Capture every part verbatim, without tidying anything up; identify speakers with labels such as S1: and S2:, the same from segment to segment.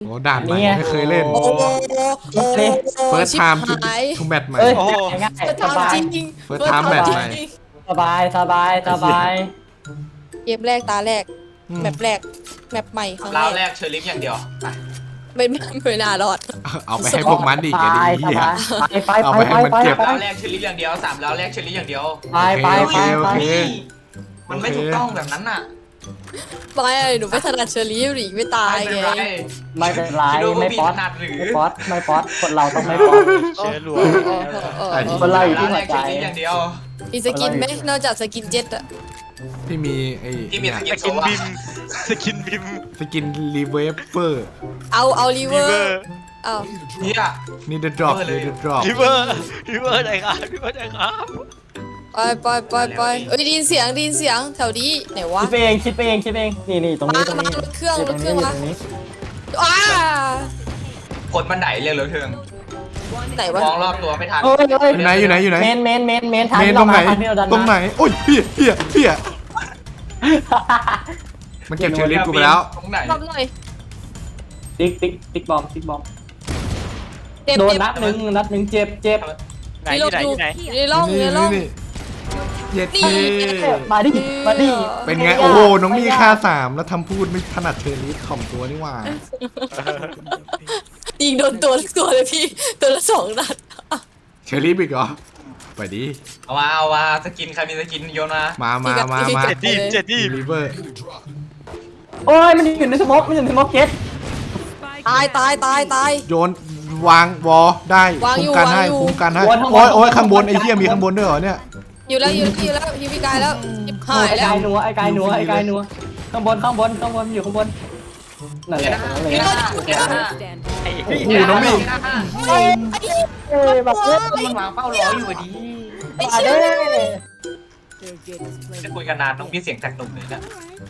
S1: อ้ด่านใหม่ไม่เคยเล่น
S2: โอ้โหโอ้โห
S1: First
S2: ชิบ
S1: time
S2: หาย
S1: to match ใหม่
S3: เอ้ย
S4: โอ้โห
S3: ง่าย
S2: เฟิร์ส
S3: สบาย
S2: ทำจริง
S1: First time match ใหม่
S3: สบายสบายสบาย
S2: เกมแรกตาแรกแมปแรกแมปใหม่ครั้ง
S4: ราว
S2: แร
S4: แร
S2: ก
S4: กเชอร์ลิฟอย่างเดียวไป
S2: ไม่ไม่ไม่น่ารอด
S1: เอาไปให้พวกมันอีก
S3: ส
S1: ไอ้
S3: บาย
S1: ดี
S3: ส
S1: เหี้ย
S3: บายไป
S1: เอา
S3: ไป
S1: ไปให้
S3: ไป
S1: มัน
S3: ไป
S1: เก็บ
S3: ไป
S4: ราวแรกเชอร์ลิฟอย่างเดียวสามราวแรกเชอร์ลิฟอย่างเดียว
S3: ไปไปไป
S1: โอ
S3: ไป
S1: เค
S4: มันไม่ถูกต้องแบบนั้นน่ะ
S2: ไม่หนูไม่ถนัดเชอรี่หรือไม่ตาย
S4: ไม่
S2: ไง
S4: เป็นไร
S3: ไม่เป็นไร
S4: คิดว่าพว
S3: ไม่
S4: กพี่
S3: ป๊อ
S4: ถ
S3: ต
S4: นัดหรือ
S3: ไม่ป๊อตไม่ป๊อตคนเราต้องไม่ป๊อต
S4: เชื้อรัว
S2: เออเออเออเออ
S3: คนเราอยู่ที่
S4: ราว
S3: หั
S4: แร
S3: ว
S4: ก
S3: ใจ
S4: เชอร์ลิฟอย่างเดียว
S2: มีสกินไหมนอกจากสกินเจ็ตอะ
S1: ที่มีไอ้
S4: ที่มีสกิ
S1: เนี่ย
S4: นโซวา
S5: สกินบิม
S1: สกินรีเวฟเฟอร์
S2: เอาเอารีเว
S5: ริ
S2: อ
S5: เวอ
S2: ร์
S5: ร์
S2: เอา
S4: เนี่ย
S1: นี่เดอะดรอป
S4: เออเลย
S1: นี่เดอะดรอป
S5: ริเวอร์ริเวอร์ไหนครับริเวอร์ไหนครับ
S2: ไปไปไปไปเอ้ยได้ยินเสียงได้ยินเสียงแถวนี้ไหนวะ
S3: คิดไปเองคิดไปเองคิดไปเองนี่นี่ตรงนี้ตรงนี้
S2: มารถเครื่อง
S3: ยู่
S2: รถเครื่อง
S3: ยู่
S2: วะ
S3: ตนี้
S2: อ้าก
S4: ดบันไดเร็วเหลือเทิง
S2: ไหนวะ
S4: มองรอบตัวไม่ทัน
S3: เอ้ยเอ้ย
S1: อยู่ไหนอยู่ไหนอยู่ไหน
S3: เมนเมนเมนเมนทาง
S1: เมน
S3: ที่
S1: ตรงไหน
S3: ทางที่เราดัน
S1: ตรงไหนโอ้ยเพี้ยเพี้ยเพี้ยมันเก็บเชอร์ลิฟกูไปแล้ว
S4: ตรงไหน
S2: รอบหน่อย
S3: ติ๊กติ๊กติ๊กบอมติ๊กบอม
S2: เจ็บ
S3: โดน
S2: เจ็บ
S3: นัดหนึ่งนัดหนึ่งเจ็บเจ็บ
S5: ไหนที่ไหนที่ไหน
S2: อยู่ในร่องอยู่ในร่อง
S1: นี่เย็ด
S2: นี่
S1: เท่
S3: มาดิมาดิ
S1: เป็นไงโอ้โหน้องมีค่าสามแล้วทำพูดไม่ถนัดเชอร์ลิฟถ่อมตัวนี่หว่า
S2: ยิงโดนตัวละตัวเลยพี่ตัวละสองนัด
S1: เชอร์ลิฟอีกเหรอไปดิ
S4: เอามาเอามาสกินใครมีสกินโยนมา
S1: มามามามา
S5: เจ็ดดีเจ็ดดี
S1: รีเวอร์
S3: โอ้ยมันอยู่ในสโมกมันอยู่ในสโมกเก็ต
S2: ตายตายตายตาย
S1: โยนวางวอได้
S2: วางอยู่
S1: คุ้มกันให้
S2: วางอยู่
S1: คุ้มกันให้โอ้ยโอ้ยข้างบนไอ้เหี้ยมีข้างบนด้วยเหรอเนี่ย
S2: อยู่แล้วอยู่แล้วอยู่แล้วฮิวพี่กายแล้วยิบหาย
S3: ไอ้
S2: แล้
S3: กายว นัวไอ้กายนัวไอ้กายนัวข้างบนข้างบนข้างบนอยู่ข้างบนนั่นแหละนั่นแห
S2: พี่
S3: ละ
S2: ต้นอยู่แล้ว
S5: ไอ้
S1: โอ้โหน้องมี
S3: เอ้ยแบบเอ้ย
S4: มันวางเป้ารออยู่ดี
S2: ไอ้
S3: มา
S2: เชี่
S3: เด้
S2: ย
S4: จะคุยกันนานต้องมีเสียงจากตุ่มเลยนะ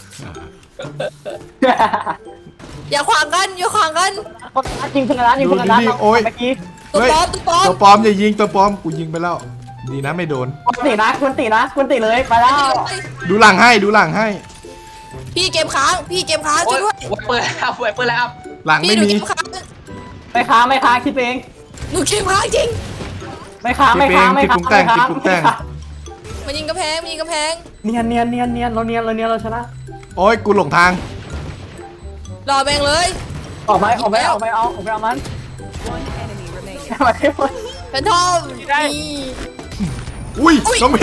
S2: อย่าขวางกันอย่าขวางกัน
S3: คนร้านยิงคนร้านยิงคนร้านเมื่อกี้
S2: ตัว
S1: เฮ้ย
S2: ปลอมตัวปลอม
S1: ตัวปลอมอย่ายิงตัวปลอมกูยิงไปแล้ว ดีนะไม่โดน
S3: คุณตีนะคุณตีนะคุณตีเลยไปแล้ว
S1: ดูหลังให้ดูหลังให้
S2: พี่เกมค้างพี่เกมค้าง
S4: โอ้
S2: ช่วย
S4: ย
S2: ด้วย
S4: ไวเปอร์แล้วไวเปอร์แล้ว
S1: หลัง
S2: พี่
S1: ไม่
S2: หนู
S1: มี
S2: เกมค้าง
S3: ไม่ค้าไม่ค้าคิดเอง
S2: หนูเกมค้างจริง
S3: ไม่ค้าไม่ค้าไม่ค้าไม่ค้า
S2: มันยิงกระแพงมันยิงกระแพง
S3: เนียนเนียนเนียนเนียนเราเนียนเราเนียนเราชนะ
S1: โอ้ยกูหลงทาง
S2: รอแบงเลย
S3: ออกไปออกไปออกไปเอาออกไปเอามันมาที่มัน
S2: แฟนทอมนี่
S1: อุ้ยน้องมี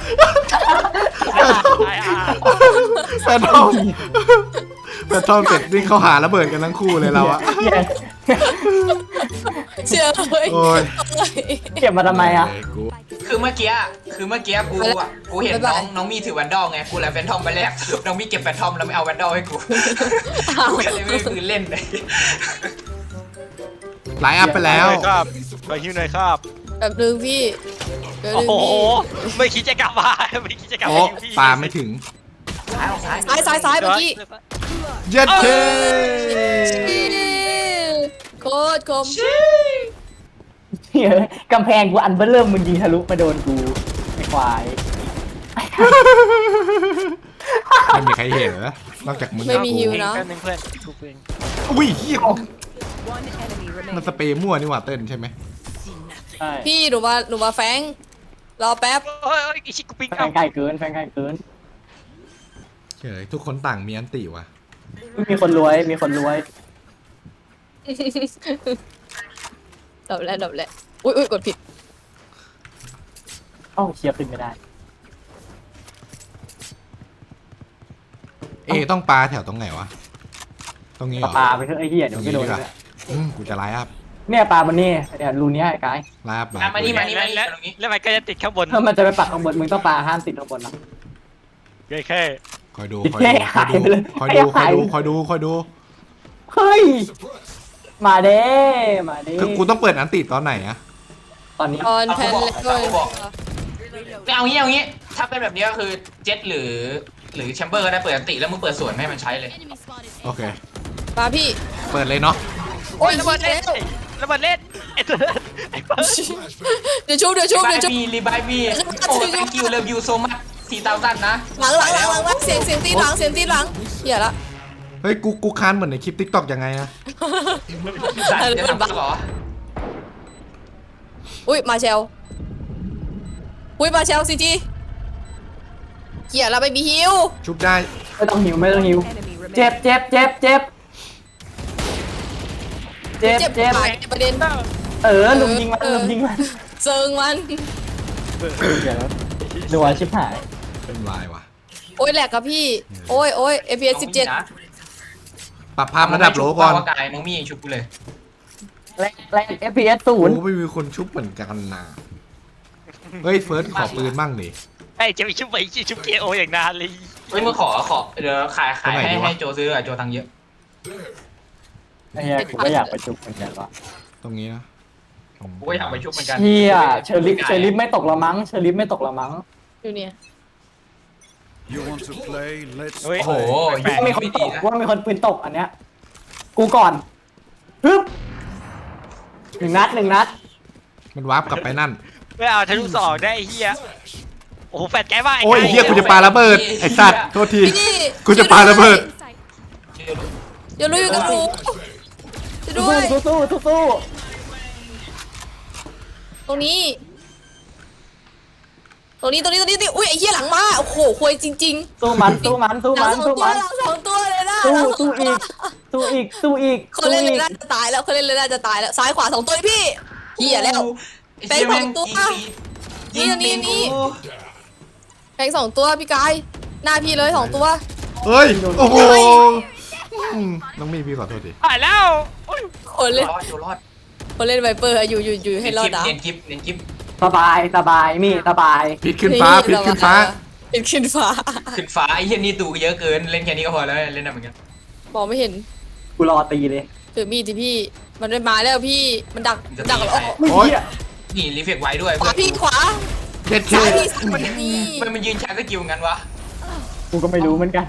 S1: แฟนทอมแฟนทอมเสร็จนี่เขาหาระเบิดกันทั้งคู่เลยเราอะ
S2: เชื่อเลย
S1: โอ้ย
S3: เก็บมาทำไมอ่ะ
S1: เอ้ยกู
S4: คือเมื่อกี้คือเมื่อกี้กูอ่ะกูเห็นน้องน้องมีถือแวนดอลไงกูเลยแฟนทอมไปแรกสรุปน้องมีเก็บแฟนทอมแล้วไม่เอาแวนดอลให้กูกูก็เลยไม่ได้คืนเล่นเลย
S1: ไลน์อัพไปแล้ว
S5: ครับไปฮิวหน่อยครับ
S2: แบบนึงพี่เดี๋ยว
S5: โอ้
S2: นึง
S5: โห
S2: พี่
S5: ไม่คิดจะกลับมาไม่คิดจะกลับ
S1: โอ้
S5: มาฮิวพี่
S1: ปาไม่ถึง
S4: ซ้ายออกซ้าย
S2: ซ้ายซ้ายซ้ายเมื่อกี้
S1: เย็ดเท่
S2: โคตรคม
S3: กำแพงกูอันเบอร์เริ่มมึงยิงทะลุมาโดนกูไอ้ควาย
S1: ไม่มีใครเห็นเหรอนอกจากมึง
S2: ไม่มีฮิว
S5: เอง
S2: เนาะ
S5: แป๊บนึงเพื่อนกูเอง
S1: อุ้ยเฮียมันสเปรย์มั่วนี่หว่าเต้นใช่ไหม
S3: ใช่
S2: พี่หนูมาหนูมาแฟงรอแป๊บ
S5: เฮ้ยเฮ้ยอีชิกูปิ๊ง
S3: แฟ
S5: เอา
S3: นไกลเกินแฟนไกลเกิน
S1: เฉยทุกคนต่างมีอันติว่ะ
S3: มีคนรวยมีคนรวย
S2: ดับแล้วดับแล้วอุ้ยอุ้ยกดผิด
S3: เอ้าเชียร์ขึ้นไม่ได้
S1: เอต้องปลาแถวตรงไหนวะตรงนี้เหรอ
S3: ปลาไปเถอะไอ้เหี้ยเดี๋ยวไม่โดน
S1: ตรงนี้ดีกว่า อืมกูจะไลน์อัพ
S3: เนี่ยปลามันนี่เนี่ยรูเนี้ยไอ้กาย
S1: ไลน์อัพ
S4: อ่ะมานี่มานี่มานี่
S5: แล้ว
S4: ตรงนี้
S5: แล้วมันก็จะติดข้างบน
S3: ถ้ามันจะไปปักข้างบนมึงต้องปลาห้ามติดข้างบนนะ
S5: แค่แค่
S1: คอยดู
S3: ติด
S1: คอย
S3: แค่
S1: ดูคอย
S3: หาย
S1: ดู
S3: ไปเลย
S1: คอยดูค
S3: หา
S1: อย
S3: ย
S1: ดูคอยดูคอยดู
S3: เฮ้ยมาเด้มาเด้
S1: คือกูต้องเปิดอันติตอนไหนอะ
S3: ตอนนี้
S2: ออนแพนแล้วด้วย
S4: ไม่เอางี้เอางี้ถ้าเป็นแบบนี้ก็คือเจ็ตหรือหรือแชมเบอร์ก็ได้เปิดอันติแล้วมึงเปิดส่วนให้มันใช้เลย
S1: โอเค
S2: มาพี่
S1: เปิดเลยเนาะ
S2: โอ้ย
S5: ระเบิด
S2: แล้
S5: เล่น
S2: ว
S5: ระเบิดเล่นไอ้ตัวไอ้เบิร์ด
S2: เดี๋ยวชุบเดี๋ยวชุบ
S4: บา
S2: เดี๋
S4: ย
S2: ยวชุบ
S4: บีรีบายบีโอ้ thank you love you so much สี่ thousand นะ
S2: หลังหลังหลังหลังหลังเสียงเสียงตีหลังเสียงตีหลังเหี้ยละ
S1: เฮ้ยกูกูค้านเหมือนในคลิปทิกตอกยังไงอะ
S4: สัตว์จะทำบ้าเหรอ
S2: อุ้ยมาเชลอุ้ยมาเชลซีจีเหี้ยเราไม่มีฮิว
S1: ชุบได้
S3: ไม่ต้องหิวไม่ต้องหิวเจ็บเจ็บเจ็บเจ็บเจ็บ
S2: เจ็บ
S3: เจ็บ
S2: หายประเด็น
S3: เออลุมยิงมันลุมยิงมัน
S2: เซิงมัน
S3: เดี๋ยวดูว่าชิบหาย
S1: เป็นวายว่ะ
S2: โอ้ยแหลกกับพี่ โอ้ยโอ้ย เอฟ พี เอส สิบเจ็ด
S1: ปรับภาพระดับโหลก่อน
S4: ว่ากายน้องมี่ชุบกูเลย
S3: แรงแรง เอฟ พี เอส ศูนย์
S1: กูไม่มีคนชุบเหมือนกันนะเฮ้ยเฟิร์สขอปืนมั่งดิ
S5: ไอ้จะไปชุบไปชุบเคโออย่างนานเลย
S4: เฮ้ยมึงขอขอเดี๋ยวขายขาย
S1: ตรงไหน
S4: ให้
S1: ดีวะ
S4: ให้โจซื้ออะโจตังค์เยอะ
S3: ไอ้เหี้ยกูก็อยากไปจุกเหมือนกันว่ะ
S1: ตรงนี้นะ
S4: กูก็อยากไปชุบเหมือนกัน
S3: เฮียเชอร์ลิฟเชอร์ลิฟไม่ตกละมั้งเชอร์ลิฟไม่ตกละมั้ง
S2: อยู่เนี่ย
S6: You want to play? Let's
S5: เฮ้ย
S4: โอ้โห
S5: แปลก
S3: มีคน
S4: ไม่
S3: ต
S4: ดี
S3: ก
S4: นะ
S3: ว่ามีคนปืนตกอันเนี้ยกูก่อนปึ๊บหนึ่งนัดหนึ่งนัด
S1: มันวาร์ปกลับไปนั่น
S5: ไม่เอาทะลุสองได้ไอ้เหี้ยโอ้โหแฟดแกว่า
S1: โอ้ยเฮียกูจะปาระเบิดไอ้สัตว์โทษที
S2: พี่
S1: กูจะปาระเบิด
S2: อย่าลุยอยู่กับหนูจะ
S3: สู้
S2: ด้วย
S3: สู้สู้สู้สู้
S2: ตรงนี้ ตรงนี้ ตรงนี้ ตรงนี้ตรงนี้อุ้ยไอ้เหี้ยหลังมา โอ้โหควยจริง
S3: สู้มันสู้มันสู้
S2: ๆหลั
S3: มั
S2: ง
S3: น
S2: สอง
S3: สู้
S2: ตัว
S3: มัน
S2: หลังสองตัวเลยนะ
S3: สู้
S2: หลังส
S3: สู้
S2: องตัว
S3: อีกสู้อีกสู้อีก
S2: คน
S3: สู้
S2: เล่นเล
S3: อี
S2: ย
S3: ก
S2: น่าจะตายแล้วคนเล่นเลยน่าจะตายแล้ว ซ้ายขวาสองตัวเลยพี่เหี้ยแล้ว
S4: ไอ้เหี้ยแม่ง
S2: เป็นของตัว
S4: ยิง
S2: นี่
S4: ยิง
S2: นี่
S4: กู
S2: แทงสองตัวพี่กาย หน้าพี่เลยสองตัว
S1: เฮ้ยโอ้โหอืมน้องมีพี่ขอโทษดิ
S5: หายแล้วโอ้ย
S2: คนเล่น
S4: รอดอยู่รอด
S2: คนเล่นไวเปอร์อยู่อยู่อยู่ให้รอดนะ
S4: เนียนกิฟเนียนกิฟ
S3: สบายสบายมีสบาย
S1: พิษขึ้นฟ้าพิษขึ้นฟ้า
S2: พิษขึ้นฟ้า
S4: ขึ้นฟ้าไอ้เหี้ยนี่ตูเยอะเกินเล่นแค่นี้ก็พอแล้วเล่นได้เหมือนกัน
S2: มองไม่เห็น
S3: กูรอตีเลย
S2: ถือมีดที่พี่ มันไม่มาแล้วพี่ มันดักมันดักแล้ว
S3: มึง
S1: โอ๊ย
S3: เหี้ย
S4: นี่รีเฟกไว้ด้วย
S2: ขวาพี่ขวา
S1: เจ็ดเค
S2: ซ้ายพี่มันมี
S4: มันมันยืนชาร์จสกิลงั้นวะ
S3: กูก็ไม่รู้เหมือนกัน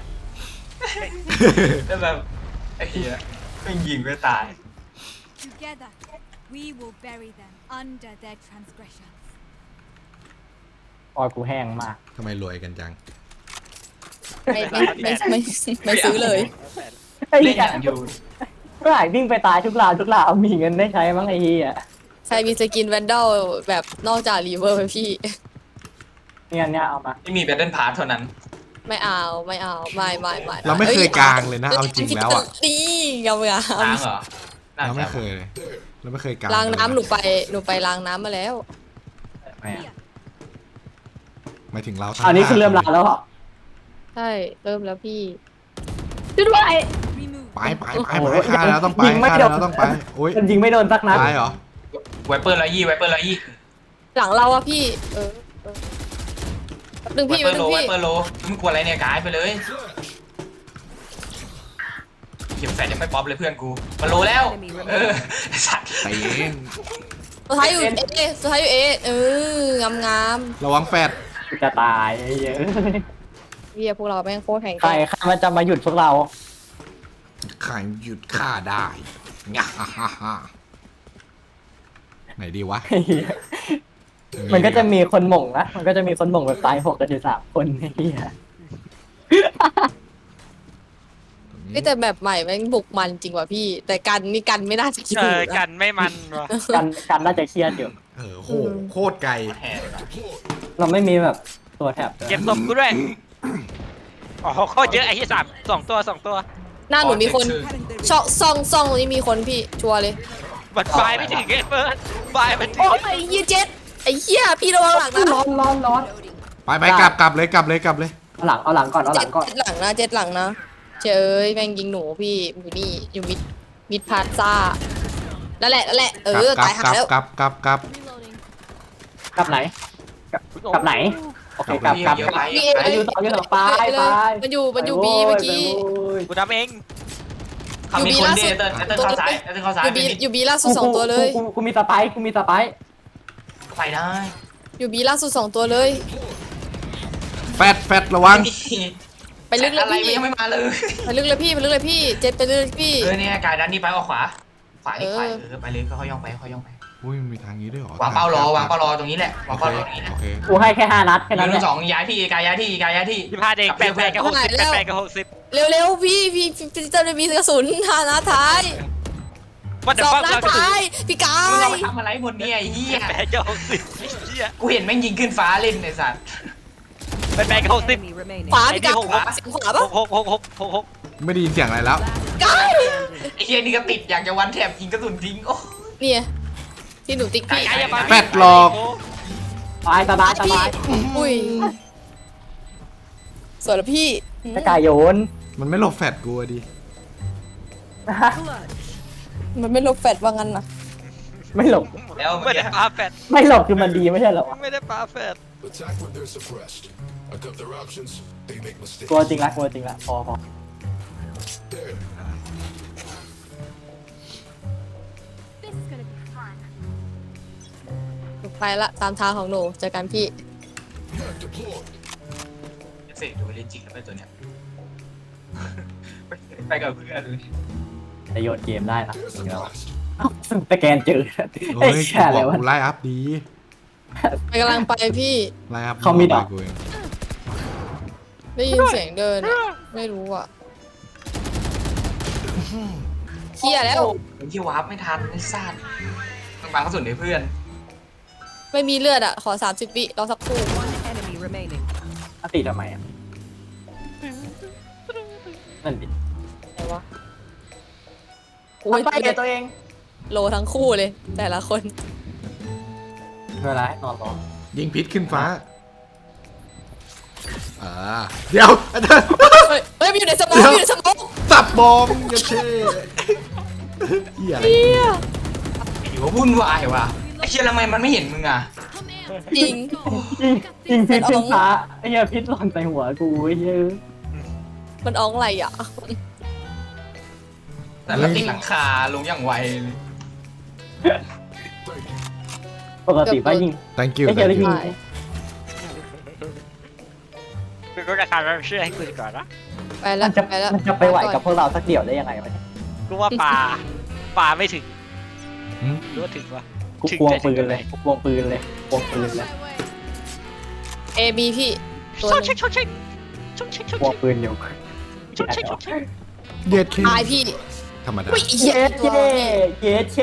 S4: แล้วแบบไอ้เหี้ยไม่ยิงไม่ตาย
S7: Together, we will bury them under their transgressions.
S3: ออยกูแห้งมาก
S1: ทำไมรวยกันจัง
S2: ไม่ไม่ไม่ไม่ไม่ซื้อเลย
S3: ไอ้
S4: เล่น
S3: เหี้
S4: อย ย่างอยู่
S3: เมื่อไหร่วิ่งไปตายทุกราวทุกราวมีเงินได้ใช้มั้งไอ้เหี้ย
S2: ใครมีสกินแวนดอลแบบนอกจากรีเวอร์ไหมพี่
S3: เนี่ยเนี่ยเอามา
S4: ไม่มีแบตเทิลพาร์ทเท่านั้น
S2: ไม่เอาไม่เอาไม่ไม่ไม่
S1: เราไม่เคยกลางเลยนะเอาจริงแล้วอะ
S2: นี่งามงา
S4: ล้าม งเหรอน่
S1: เราไม่
S4: จะ
S1: เคยเลยเราไม่เคยกลาง
S2: ล้างน้ำหนู
S1: เลย
S2: ไปหนูไปล้างน้ำมาแล้ว
S3: แหม่
S1: หมายถึงเราทั้ง
S3: อันนี้คือเริ่มลาแล้วเหรอ
S2: ใช่เริ่มแล้วพี่ช่วยด้วย
S7: Remove
S1: ไปไปไปไปฆ่าแล้วต้องไปฆ่าแล้วต้องไปโอ้ย
S3: มันยิงไม่โดนสักนัด
S1: ตายเหรอ
S4: ไวเปอร์ร้อยยี่ไวเปอร์ร้อยยี่
S2: หลังเราอะพี่ เออเออแป๊บนึง
S4: ไว
S2: พี่
S4: เปอ
S2: แป๊บ
S4: ร์
S2: นึ
S4: โล
S2: ง
S4: ไว
S2: พี่
S4: เปอร์โลมึงกลัวอะไรเนี่ยกายไปเลยเก็บแฟนยังไม่ป๊อปเลยเพื่อนกูมันโลแล้วเออสัตว์
S1: ไปเอง
S2: สุดท้ายอยู่เอสุดท้ายอยู่เอเอองามงาม
S1: ระวังแฟด
S3: กูจะตายไอ้เหี้ย
S2: ๆเฮียพวกเราแม่งโคตรแข็ง
S3: ใคร
S2: แกร่ง
S3: ใครมันจะมาหยุดพวกเรา
S1: ใครหยุดฆ่าได้งะฮ่าฮ่าฮ่าไหนดีวะ
S3: ไอ้เหี้ยมันก็จะมีคนหม่งนะ มันก็จะมีคนหม่งแบบตายหกกันอยู่สามคนไอ้เหี้ย
S2: เฮ้ยแต่แบบใหม่แม่งบุกมันจริงว่ะพี่ แต่กันนี่กันไม่น่าจะคิด
S5: เอ
S2: ถู
S5: อก กั
S2: นะ
S5: นไม่มันว่ะ
S3: กันกันน่าจะเครียดอยู่
S1: เออโหโคตรไกล
S4: แห่เลยนะ
S3: เราไม่มีแบบตัวแถบด้วย
S5: เก็บศพกูด้วยอ๋อโคตรเยอะไอ้ที่สามสองตัวสองตัว
S2: หน้าหนูมีคนช่องซองซองตรงนี้มีคนพี่ชัวร์เลย
S5: บัดไฟไม่ถึงไอ้เฟิร์สไฟมันถึง
S2: โอ้ยไอ้เหี้ยเจ็ดไอ้เหี้ยพี่ระวังหลังนะ
S3: ร้อนร้อนร้อน
S1: ไปไปกลับกลับเลยกลับเลยกลับเลย
S3: เอาหลังเอาหลังก่อนเอาห
S2: เจ็
S3: ลั
S2: ด
S3: งก่อน
S2: เจ็ดหลังนะเจ็ดหลังนะเจยแม่งยิงหนูพี่อยู่นี่อยู่มิดมิดพาซ่านั่นแหละนั่นแหละเอก
S1: ลั
S2: อบ
S1: กลั
S2: ตาย
S1: บ
S2: หาก
S1: ลับ
S2: แล้ว
S1: กลับกลับกลับ
S7: reloading.
S3: กลับไหนกลับกลับไหนโอเคกลับกลับ
S4: เยอะไป
S2: พี่
S4: เยอะ
S2: เอ
S4: ไป
S3: ไปอยู่ต่ออยู่ต่อไปไป
S2: มันอยู่มันอยู่บีเมื่อกี้
S5: กูทำเอง
S4: เขามีคนเดเตอร์เตอร์เข้าซ้ายเตอร์เข้าซ้าย
S2: อยู่
S4: ไป
S2: บี
S4: นิด
S2: อยู่บีล่าสุดสองตัวเลย
S3: กูกูมีสไปค์กูมีสไปค์
S4: ไปได้
S2: อยู่บีล่าสุดสองตัวเลย
S1: แฟดแฟดระวัง
S2: ไปลึกเลย
S4: อะไร
S2: พี่
S4: ยังไม่มาเลย
S2: ไปลึกเลยพี่ไปลึกเลยพี่เจ็ดไปลึกเลยพี่
S4: เออเนี่ยกายด้านนี้ไปออกขวาขวาอีกขวา
S2: เออ
S4: เออไปเลยเขาย่องไปเขาย่องไป
S1: อุ้ยมันมีทางนี้ด้วยเหรอ
S4: วางเป้ารอวางเป้ารอตรงนี้แหละวา
S1: โอง เค
S4: เป้ารอตรงนี้แหละ
S1: โอเค
S3: กูให้แค่ห้านัดแค่
S4: ห
S3: นั้นแห
S4: นึ่
S3: ละ
S4: งสองย้ายที่กายย้ายที่กายย้ายที่
S5: ยี่ห้าเด็กแปดแปดกับหกสิบแปดแปดกับหกสิบ
S2: เร็วๆพี่พี่พี่พี่จะมีกระสุนหานัดท้าย
S5: ว่าแต่
S2: สอง
S5: ป้า
S2: นัด
S5: เราจะ
S2: ท้ายพี่กา
S4: มึงเอา
S2: ย
S4: ไปทำอะไรหมดเนี่ยไอ้เหี้ย
S5: แปดกับหกสิบไอ้เหี้ย
S4: กูเห็นแม่งยิงขึ้นฟ้าเล่นไอ้สัตว์
S5: แปดแปดกับหกสิบ
S8: Enemy remaining.
S2: ขวาพี่กาย
S5: ไอ้นี่หกวะ
S2: เสียงขวาปะ
S5: หกหกหกหกหกหก
S1: ไม่ได้ยินเสียงอะไรแล้ว
S2: กาย
S4: ไอ้เหี้ยนี่ก็ติดอยากจะวันแถบยิงกระสุนทิ้งโอ้
S2: เนี่ยที่หนูติ๊กพี่
S4: กายอย่ามา
S1: แปดหลอก
S3: สบายสบายสบาย
S2: อุ้ยสวยแล้วพี่
S3: จะกายโยน
S1: มันไม่หลบแฟดกูอะดิ
S2: มันไม่ลบแฟดว่างั้นนะ
S3: ไม่หลบ
S4: แล้ว
S5: ไม่
S4: เมื่อ
S5: ได้
S4: กี้
S5: ปาแฟด
S3: ไม่หลบคือมันดีไม่ใช่เหรอวะ
S5: ไม่ได้ปาแฟด
S6: Attack when they're suppressed. I cut their options. They make mistakes.
S3: กลัวจริงละกลัวจริงละพอพอ
S6: There.
S7: This is gonna be fun.
S2: หนูไปละตามทางของหนูเจอกันพี่
S6: Back deployed.
S4: เสกดูเล่นจริงแล้วไปตัวเนี้ยไปกับเพื่อนเลย
S3: จะโยนเกมได้ละ
S6: There's the blast.
S3: เอ้าสแกนเจอ
S1: เฮ้
S3: ไอ้
S1: ย
S3: แค่
S1: กู
S3: อะไร
S1: บอก
S3: วะ
S1: กูไล่อัพดี
S2: ไปกำลังไปพี่
S1: ไล่อัพ
S3: เขามีดอก
S1: ไปกูเอง
S2: ได้ยินเสียงเดินอะไม่รู้อ่ะเคลียร์แล้ว
S4: ไอ้ที่วาร์ปไม่ทันไอ้สัตว์มันบังกระสุนให้เพื่อน
S2: ไม่มีเลือดอ่ะ ขอสามสิบวิรอสักครู่
S8: One enemy remaining.
S3: อติทำไมอ่ะนั่นดิ
S2: ไหนวะโอ้
S3: ทำ
S2: ย
S3: ไปเลยตัวเอง
S2: โลทั้งคู่เลย แต่ละคน
S3: เวลาให้นอนรอ
S1: ยิงพิษขึ้นฟ้าอ่าเดี๋ยวอาจารย์
S2: เฮ้ยเฮ้ยมันอยู่ในสมองมันอยู่ในสมอง
S1: สับบอมเหี้ยเช่เหี้ยอะไร
S2: เฮีย
S4: อยู่ว่าวุ่นวายว่ะไอ้เชี่ยทำไมมันไม่เห็นมึงอ่ะ
S2: จริง
S3: จริงจริงพิษขึ้นฟ้าไอ้เหี้ยพิษหล่นใส่หัวกูไอ้เหี้ย
S2: มันอ้องอะไรอ่ะ
S4: แต่ละติดหลังคาลงอย่างไวเลย
S3: ปกติว่ายิง
S1: thank you
S3: ไอ้เหี้ย
S1: thank
S3: ได้ยิ
S1: you
S3: ง
S2: ใช่
S5: คือก็จะทำให้เชื่อให้กูดีก่อนนะ
S2: ไปแล้
S3: มั
S2: วน
S3: จะ
S2: ไปแล้ว
S3: มันจะไปไหวกับพวกเราสักเดี่ยวได้ยังไงวะเนี่ย
S5: กูว่าปลาปลาไม่ถึง
S1: หืม
S5: รู้ว่าถึงวะ
S3: กูควงปืนเลยกูควงปืนเลยควงปืนเลย
S2: เอบีพี่ตัว
S5: ช
S2: ห
S5: ก
S2: นึ
S5: เช็ค
S2: ง
S5: ชกเช็คชกเช็คชก
S3: ควง
S5: เช็ค
S3: ปืนอยู่
S5: ชกเช็คชกเช็ค
S1: เด็ดเค
S2: ตายพี่
S1: ธรรมดา
S2: อุ้ยไอ้เหี้
S3: เย้
S2: ยตัว
S3: เช่เย้เช่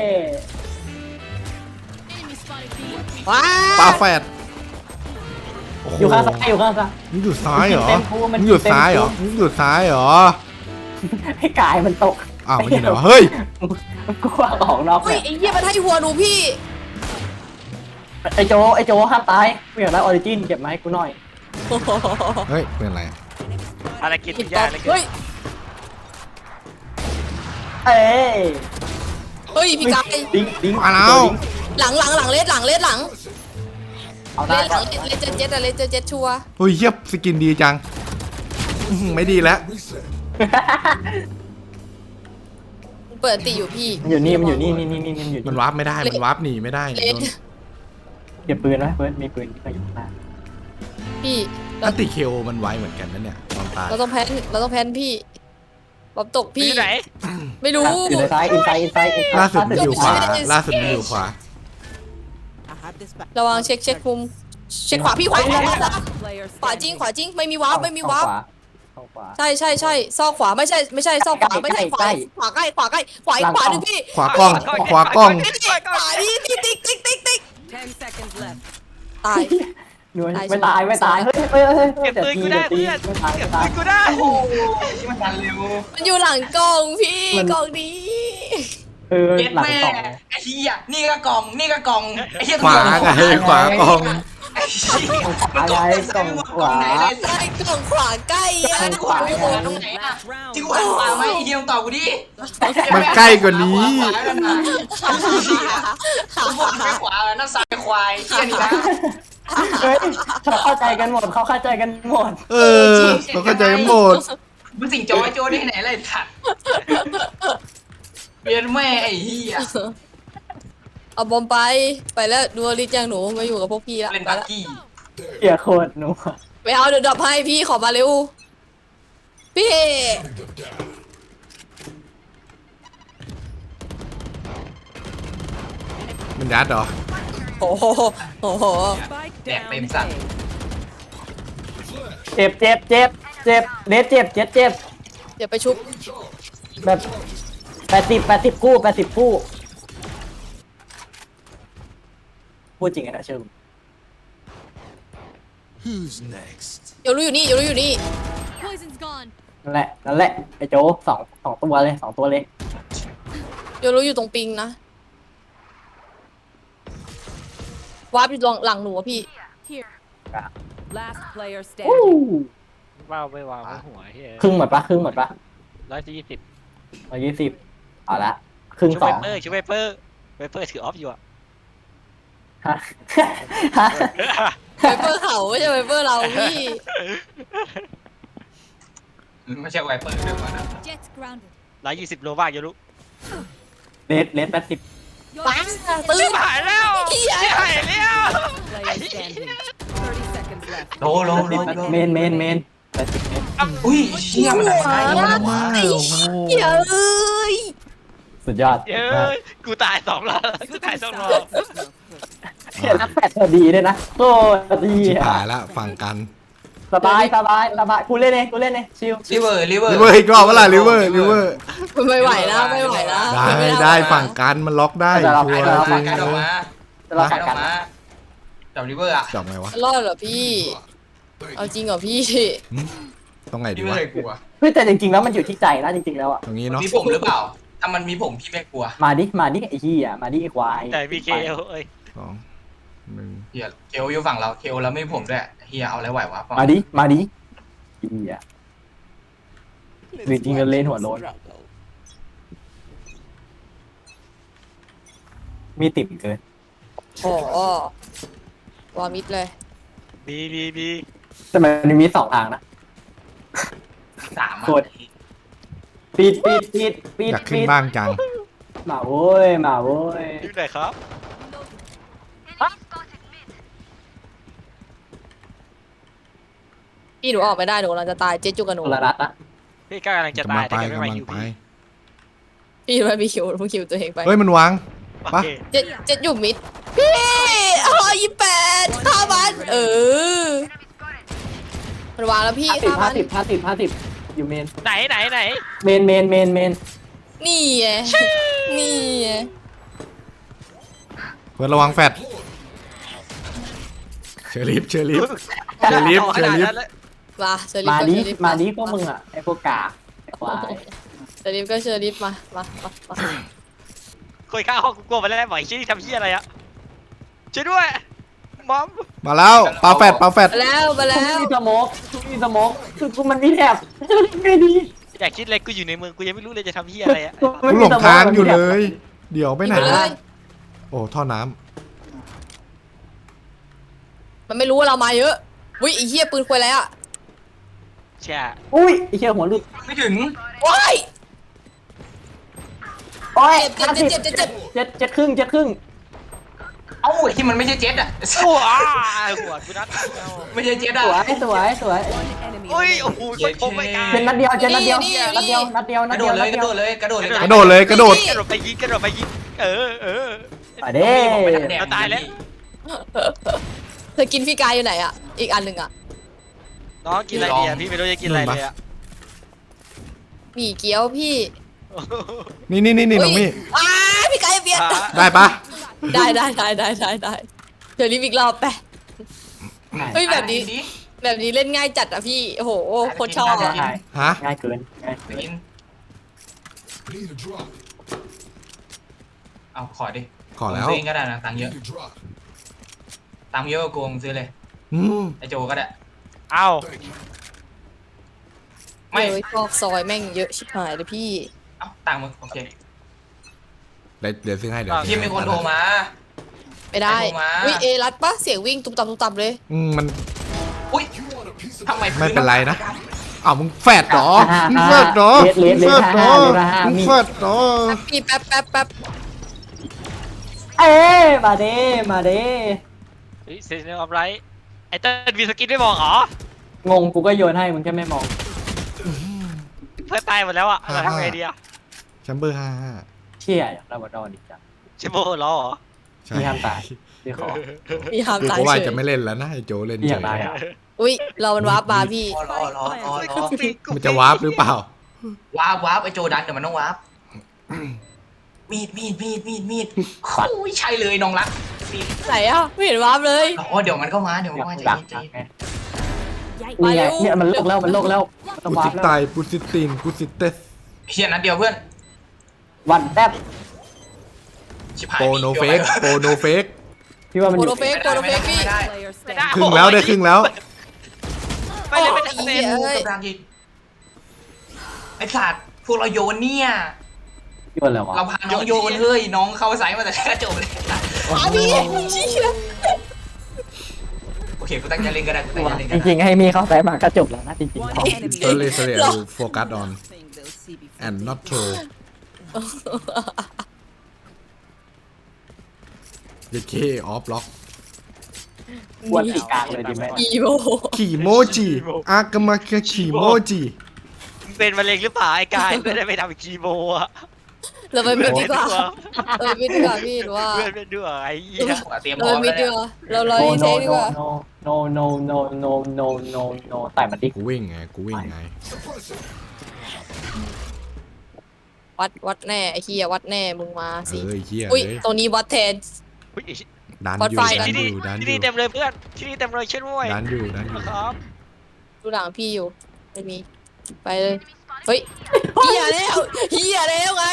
S2: ว้า
S1: ปลาแฟดโโห
S3: อยู่ข้างซ้ายอยู่ข้างซ้าย
S1: มึงอยู่ซ้ายเหรอ
S3: มันกินเต็มภูมัน
S1: มึงอยู่
S3: กินเต็ม
S1: ซ้ายเหรอ
S3: ภู
S1: มึงอยู่ซ้ายเหรอ
S3: ให้กายมันตก
S1: อ้าวมันอยู่ไหนวะเฮ้ย
S3: มันกลัวออกนอก
S2: อุ้
S3: แบ
S2: ย
S3: บ
S2: ไอ้เหี้ยมันให้หัวหนูพี่
S3: ไอโจไอโจห้ามตายกูอยากได้ออริจินเก็บมาให้กูหน่อย
S2: โอ้โห
S1: เฮ้ยเป็นไร
S5: อะไรกิน
S2: กิน
S5: ยา
S2: ต่อ
S5: อะไรกิน
S2: เฮ้ย
S3: เอ้ย
S2: เฮ้ยพี่กาย
S3: ดิ้งดิ้ง
S1: มาแล้ว
S2: หลังหลังหลังเลสหลังเลสหลัง
S3: เอา
S2: เล
S3: ได้
S2: สหลังเลสเจ็ดเจ็ดอะเลสเจ็ดเจ็ดชัวร์
S1: เฮ้ยเยียบสกินดีจังอื้อหือไม่ดีแล้ว
S6: Reset.
S2: เปิดติอยู่พี่
S3: มันอยู่นี่มันอยู่นี่นี่นี่นี่มันอยู่
S1: มัน
S3: นี่
S1: วาร์ปไม่ได้ มันวาร์ปหนีไม่ได้
S2: เลส
S1: โดน
S3: เก็บปืนไว้เฟิร์สมีปืนที่อยู่ข้างหน้า
S2: พี่เรา
S1: อันติเคโอมันไวเหมือนกันนะเนี่ยตอนตาย
S2: เราต้องแพนเราต้องแพนพี่บอมตก
S5: พี่
S2: พี่
S5: ไหน
S2: ไม่รู้
S3: อยู่ในซ้ายอินไซด์อินไซด์อินไซด์
S1: ล่าสุดมันอยู่ขวา
S2: ไม่ได้
S1: ล่าสุดมันอยู่ขวา
S8: I have this back.
S2: ระวังเช็คเช็คมุมเช็คขวาพี่ขวาขวาขวา
S8: Player
S2: ขวาจริง
S8: standing.
S2: ขวาจริงไม่มีวาร์ปไม่มีวาร์ป
S3: เข้าขวา
S2: ใช่ใช่ใช่ซอกขวาไม่ใช่ไม่ใช่ซอกขวาไม่ใช่ขวา
S3: ใกล้
S2: ขวาใกล้ขวาใกล้ขวาอีกขวาหนึ่งพี่
S1: ขวากล้อง ขวากล้อง
S2: ขวาพี่ติ๊กติ๊กติ๊กติ๊กติ๊ก
S8: Ten seconds left.
S2: ตาย
S3: หน่วย
S2: ตาย
S3: ไม่ตายไม่ตายเฮ้ยเฮ้ยเฮ้ยเฮ้ย
S5: เก็บ
S3: เดี๋ยว
S5: ปืน
S3: ตี
S5: กูได้
S3: เดี๋ยวตี
S5: เพื่อน
S3: ไม่ตาย
S5: เก็บ
S3: ไม่ตาย
S5: ปืนกูได้
S4: โอ้โหที่มันทันเร็ว
S2: มันอยู่หลังกล่องพี่
S3: มัน
S2: กล่องนี้
S3: เออ
S4: เย็ด
S3: หลัง
S4: แม่
S3: สอง
S4: ไอ้เหี้ยนี่ก็กล่องนี่ก็กล่องไอ้เหี้ย
S1: ขวาไงขวากล้อง
S4: ไอ้เหี้ย
S3: อะไรกล่องขวา
S4: ไหนเลย
S2: ใช่กล่องขวาใกล้อะ
S3: ขวา
S4: ไม่ขวาตรงไหนอะ
S8: Last round.
S4: ที่กูหันขวาไหมไอ้เหี้ยมึงตอบกูดิ
S1: มันใกล้กว่านี้
S4: ขวาแล้วนะกูบอกแค่ขวาแล้วนั่นซ้ายควายเหี้ยนี่นะ
S3: เฮ้ยเขาเข้าใจกันหมดเขาเข้าใจกันหมด
S1: เออเขาเข้าใจกันหมด
S4: มึงสิงโจ้ไอ้โจ้ได้ไหนเลยถัดเปลี่ยนแม่ไอ้เหี้ย
S2: เอาบอมไปไปแล้วดูอลิสยังหนูมาอยู่กับพวกพี่ละ
S4: เล่น
S2: ไป
S4: บัก
S2: ละ
S4: กี้
S3: เกียร์โคตรหนู
S2: ไปเอาเดี๋ยวดับให้พี่ขอมาเร็วพี่
S6: Putting them down.
S3: เ
S1: มันยัดเหรอ
S2: โอ้โหโอ้โห
S8: Spike
S4: แดก
S8: down
S4: เต็มสั่ง
S8: A.
S3: เจ็บเจ็บเจ็บเจ็บเลสเจ็บเจ็บเจ็บ
S2: เดี๋ยวไปชุบ
S3: แบบแปดสิบแปดสิบคู่แปดสิบคู่พูดจริงไงนะเชิญ
S6: Who's next?
S2: เดี๋ยวรู้อยู่นี่เดี๋ยวรู้อยู่นี่
S7: Poison's gone.
S3: นั่นแหละนั่นแหละไอ้โจสองสองตัวเลยสองตัวเลย
S2: เดี๋ยวรู้อยู่ตรงปิงนะวาร์ปอยู่หลังหลังหนูอะพี่
S7: Here.
S8: Last player
S3: อู้
S8: standing.
S5: ว้าวไม่ว้าวไม่หัวเฮ้ย
S3: ครึ่งหมดปะครึ่งหมดปะ
S5: ร้อยยี่สิบ
S3: ร้อยยี่สิบเอาละครึ่ง
S5: ชู
S3: ส
S5: ไว
S3: อง
S5: เปอร์ชูไวเปอร์ไวเปอร์ถือออฟอยู่อะ
S3: ฮะฮะ
S2: ไวเปอร์เขาไม่ใช่ไวเปอร์เราพี่
S4: ไม่ใช่ไวเปอร์เดี๋ยวก่อนนะ
S7: Jet grounded.
S5: ร้อยยี่สิบโลบ้างอยู่ลูก
S3: เลสเลสแปดสิบ
S7: Your
S2: ปังตื้น
S5: หายแล้ว
S2: เหี้ย
S5: หายแล้ว
S8: Player standing. thirty seconds left.
S4: โลโลโลโล
S3: เมนเมนเมนแปดสิบเมน
S4: อุ้ยเชี่ยมันทำได้ยังไงวะ
S2: ไอ้เหี้ยเอ้ย
S3: สุดยอด
S5: เย้ยกูตายสองรอบกูตายสองรอบ
S3: เขียนนักแปดตัวดีด้วยนะโอ้ดี
S1: ชิบ
S3: อะ
S1: หายละฟังกัน
S3: สบายสบายสบายกูเล่นเองกูเล่นเองชิล
S4: ลิเวอร์ลิเวอร์
S1: ลิเวอร์อีกรอบเวลาลิเวอร์ลิเวอร์
S2: ไม่ไหวแล้วไม่ไหวแล้ว
S1: ได้ได้ฟังกันมันล็อกได้ชัวร์จ
S4: ฝั่
S1: ริ
S4: ง
S1: ง
S4: กันออกมา
S3: จะรอ
S4: ฝั่
S3: ขั
S4: ง
S3: ด
S4: กันอ
S3: กั
S4: อน กมาจับลิเวอร์อะ
S1: จับไงวะ
S2: รอดเหรอพี่ เอาจริงเหรอพี่
S1: ตรงไหนดี
S4: พี่ไม่
S1: วะ
S4: เคยกลัว
S3: เฮ้ยแต่จริงๆแล้วมันอยู่ที่ใจนะจริงๆแล้วอ่ะ
S1: ตรงนี้เนาะ
S4: มีผมหรือเปล่า ถ้ามันมีผมพี่ไม่กลัว
S3: มาดิมาดิไอ้เหี้ยมาดิไอ้ควาย
S5: แต่มีเคเอลเอ้ย
S1: สองหนึ่ง
S4: เฮียเคโออยู่ฝั่งเราเคโอแล้วไม่มีผมด้วยเฮียเอาอะไรไหววะ
S3: มาดิมาดิเหี้ยหรือจริงๆก็เล่นหัวโล้นมีติ่มเกิน
S2: โอ้โหวามิดเลย
S5: บีบีบี
S3: แต่มันมีสองทางนะ
S4: สาม
S3: กด ปิดปิดปิดปิด
S1: อยากขึ้น
S3: ปิด
S1: บ้างจัง
S3: มาโว้ยมาโว้ย
S5: อยู่ไหนครับ
S2: พี่หนูออกไม่ได้หนูกำลังจะตายเจ๊จุกกับหนู
S3: คนละรัดนะ
S5: พี่ก้ากำลังจะ
S1: กำ
S5: ตา
S1: ลั
S5: ย
S1: ง
S5: แต่
S1: ไป
S5: แกไม่
S1: กำ
S5: มา
S1: ลัง
S5: อยู่
S1: ไป
S5: พี่
S2: พี่ไม่มีคิวเพิ่งคิวตัวเองไป
S1: เฮ้ยมันวาง
S5: โอ
S1: ปะ
S5: เค
S2: เจ๊เจ๊อยู่มิดพี่อ๋อยี่แปดฆ่ามันเออมันวางแล้วพี่
S3: ห้าสิบ
S2: ฆ่ามั
S3: ห้าน สิบห้าสิบห้าสิบอยู่เมน
S5: ไหนไหนไหน
S3: เมนเมนเมนเมน
S2: นี่ไงนี่ไง
S1: เพื่อนระวังแฟดเชอริฟเชอริฟเชอริฟ
S5: อา
S1: เช
S5: ข
S1: อ
S5: นาด
S1: ริฟ
S5: นั้นเลย
S2: มาเชอริฟ
S3: มา
S2: ก็
S3: ดิ
S2: เชอริฟ
S3: มาดิพวกมึงอ่ะไอ้พวกกากไอ้ควาย
S2: เชอริฟก็เชอริฟมามามามา
S5: คุยข้างห้องกูกลัวไปแล้วบ่อยชี้ทำชี้อะไรอะช่วยด้วยมอม
S1: มาแล้วปาแฟดปาแฟด
S2: มาแล้วมา
S3: กู
S2: แล้
S3: ไม่
S2: ว
S3: มีสโมกกูไม่มีสโมกคือกูมันมีแถบไม่ดี
S5: อยากคิดอะไรกูอยู่ในเมืองกูยังไม่รู้เลยจะทำชี้อะไรอะ
S3: กูไม่
S1: กู
S3: มี
S1: หลง
S3: สโมก
S1: ทางอยู่
S3: มันมีแถ
S1: เล
S3: บ
S1: ย เดี๋ยวไปไหน
S2: ยิงเลย
S1: โอ้ท่อน้
S2: มันไม่รู้ว่าเรามาเยอะวิไอ้เหี้ยปืนควยแล้วอ่ะ
S5: ใช่
S3: อุ้ยไอ้เชี่ยหัวหลุด
S4: ไม่ถึง
S2: ว้าย
S3: โอ้ย
S2: เจ็บเจ็บเจ็บเจ็บเจ็บ
S3: เจ็ดเจ็ดครึ่งเจ็ดครึ่ง
S4: เอ้าที่มันไม่ใช่เจ็ตอะ
S5: โอ้อ้าหัวกูนัดเอา
S4: ไม่ใช่เจ็ต
S3: ส
S4: อะ
S3: วยสวยสวย
S8: One enemy
S5: โอ้ย
S8: remaining.
S5: โอ้โหไม่คมไม่กล้า
S3: เป็นนัดเดียวเจ็ดนัดเดียวนัดเดียวนัดเดียว
S4: ก
S3: นั
S4: ระ
S3: ด
S4: โด
S3: เดียว
S4: ดเลย
S3: นัด
S4: กระ
S3: เดี
S4: โด
S3: ยว
S4: ดเลยกระโดดเลย
S1: ำกระโดดเลยกระโดด
S5: กระโดดไปยิงกระโดดไปยิงเออเออ
S3: มาเด้
S4: ผมไปทางแดง
S5: เราตายแล้ว
S2: เธอกินพี่กายอยู่ไหนอ่ะอีกอันหนึ่งอ่ะ
S5: น้องกินอะไรดีอะพี่ไม่รู้จะกินอะไรเลยอะ
S2: หมี่เกี๊ยวพี่
S1: นี่นี่นี่นี่น้องมี่
S2: อ้าพี่กายเบียด
S1: ได้ปะ
S2: ได้ได้ได้ได้ได้ได้เดี๋ยวรีบอีกรอบไปเฮ้ยแบบนี้ แบบนี้เล่นง่ายจัดอ่ะพี่โอ้โหโคตรชอบ
S3: ง่า
S2: อ่ะ
S3: ย
S1: ฮะ
S3: ง่ายเกินง่ายเกิน
S4: กิน
S6: Need a drop.
S4: เอาขอดิ
S1: ขอแล้ว
S4: ผมซื้อเองก็ได้นะตังค์เยอะ
S6: Need a drop.
S4: ตังค์เยอะกว่ากูมึงซื้อเลย
S1: อืม
S4: ไอโจก็ได้
S5: เอ้า
S6: Thank you.
S4: ไม่
S2: เฮ้ยซอกซอยแม่งเยอะชิบหายเลยพี่
S4: เอ้าตังค์มึงโอเค
S1: เดี๋ยวเดี๋ยวซื้อให้เดี๋ยว
S4: พี่มีคนโทรมา
S2: ไม่ได้
S4: ใครโทรมา
S2: วิเอรัดปะเสียงวิ่งตุบตับตุบตับเลย
S1: อืมมัน
S4: อุ้ย
S6: You want a piece of
S4: ทำไม
S1: ไม่เป็นไรนะอ้าวมึงแฟดเหรอ
S3: อ่า
S1: มึง
S3: อ่า
S1: แฟดเหรอ
S3: เลสเล
S1: มึ
S3: ส
S1: ง
S3: เล
S1: แฟ
S3: ส
S1: ด
S3: ห้า
S1: เหรอ
S3: เลสห้า
S1: มึง
S3: มี
S1: แฟดเหรอ
S2: พี่แป๊บแป๊บแป๊บ
S3: เอ้ยมาเด้มาเด้
S5: เฮ้ยเซนเนอร์ออฟไรไอ้เต้นมีสกินไม่บอกเหรอง
S3: งกูก็โยนให้มึงแค่ไม่มอง
S5: เพื่อนตายหมดแล้วอะเราทำไงดีอะ
S1: แชมเบอร์ห้าห้า
S3: เชี่ยอยากได้บอลดอนอีกจัง
S5: ชิโบล้อเหรอ
S1: ใช่
S3: พี่ห้ามตายพี่ขอ
S2: พี่ห้าม
S1: กู
S2: ตาย
S1: ก็ว่า
S2: เฉย
S1: จะไม่เล่นแล้วนะไอ้โจเล่น
S3: พี่อ
S1: เฉ
S3: ยาก
S1: ย
S3: ตายอ่ะ
S2: อุ้ยเรามันวาร์ปมาพี่
S4: รอรอรอรอรอ
S1: มันจะวาร์ปหรือเปล่า
S4: วาร์ปวาร์ปไอโจดันเดี๋ยวมันต้องวาร์ปมีดมีดมีดมีดมีดโอ้ยใช่เลยน้องรักมีด
S2: ไหนอ่ะไม่เห็นวาร์ปเลย
S4: อ๋อเดี๋ยวมันก็มาเดี๋ยว
S3: อ
S4: มัน
S3: ยา
S4: ก็
S3: ก
S4: มาใจ
S3: ดัก
S4: เย็นใจเย็น
S7: Yikes.
S3: นี่ไง
S2: มาเร็ว
S3: เนี่ยมันโลกแล้วมันโลกแล้วมันต้อง
S1: กู
S3: วา
S1: สิ
S3: ร์ปแล้ว
S1: ตายกูสิตีนกูสิเตส
S4: เฮียนัดเดียวเพื่อน
S3: วันแทบ
S4: ชิบหาย
S1: โปโนเฟกโปโนเฟก
S3: พี่ว่ามัน
S2: โป
S3: อ
S2: ร
S3: ยู่
S2: เฟกโปรเฟกพี่
S4: ไม่ได้
S8: Player
S5: ไม่ได้
S8: standing.
S1: ครึ่งแล้วได้ครึ่งแล้ว
S5: ไม่เลยไม่ทัน
S2: โอ้
S5: เซ
S2: ย
S5: น
S2: เอ้ย
S4: กำลังยิงไอสัตว์พวกเราโยนเนี่ย
S3: พี่ว่าอะไรวะ
S4: เราพาน้องโยนเฮ้ยน้องเข้าไซส์มาแต่แรกจบเลย
S2: อาพี่เชี่ย
S4: โอเคกูตั้งใจเล่นก็ได้กูตั้งใจเล่น
S3: จ
S4: ก็ได้
S3: ริงๆให้มีเข้าใส่มาก็จบแล้วนะจริง
S8: One
S3: ๆ
S8: enemy
S1: โซเลโซเล
S8: remaining.
S1: โฟกัส on
S8: Thing they'll see before
S1: and not throw เยเคออฟล็อก
S3: วนตีกลางเลยดีไหม
S2: อีโบ
S1: ขี่โมจิอากามาคาขี่โมจิ
S5: มึงเป็นมะเร็งหรือเปล่าไอ้กายไม่ได้ไปทำคีโมอะ
S2: เราไปมิดดีกว่าเราไปมิดดีกว่าพี่หรือว่า
S5: เพื่อนเป็นด้วยไอ้เหี้ย
S4: เตรียมพ
S2: เรา
S4: ร้อ
S2: ไป
S4: ม
S2: มิ
S4: แล้
S2: ด
S4: ว
S2: ดี
S4: เนี่ย
S2: กว่าเรารอ
S3: no
S2: รีเท
S3: no
S2: คดีกว่า
S3: no no no no no no no no แต่มันดิ
S1: กูวิ่งไงกูวิ่งไง
S2: วัดวัดแน่ไอ้เฮียวัดแน่มึงมาสิ
S1: เอ้ยเฮีย
S2: อุ้ย
S1: เอ้ย
S2: ตัวนี้วัดแทน
S5: อุ๊ย
S1: ดัน
S2: พอด
S1: อยู่
S2: ไฟ
S1: ดัน
S5: ที่
S1: อ
S5: นี่
S1: ยู่ดันอ
S5: ที่นี่
S1: ยู่
S5: เต็มเลยเพื่อนที่นี่เต็มเลยช่วยด้วย
S1: ดันอยู่ดันอยู่
S5: ครับ
S2: ดูหลังพี่อยู่ไม่มีไปเลยเฮ้ยเฮียแล้วเฮียแล้วไง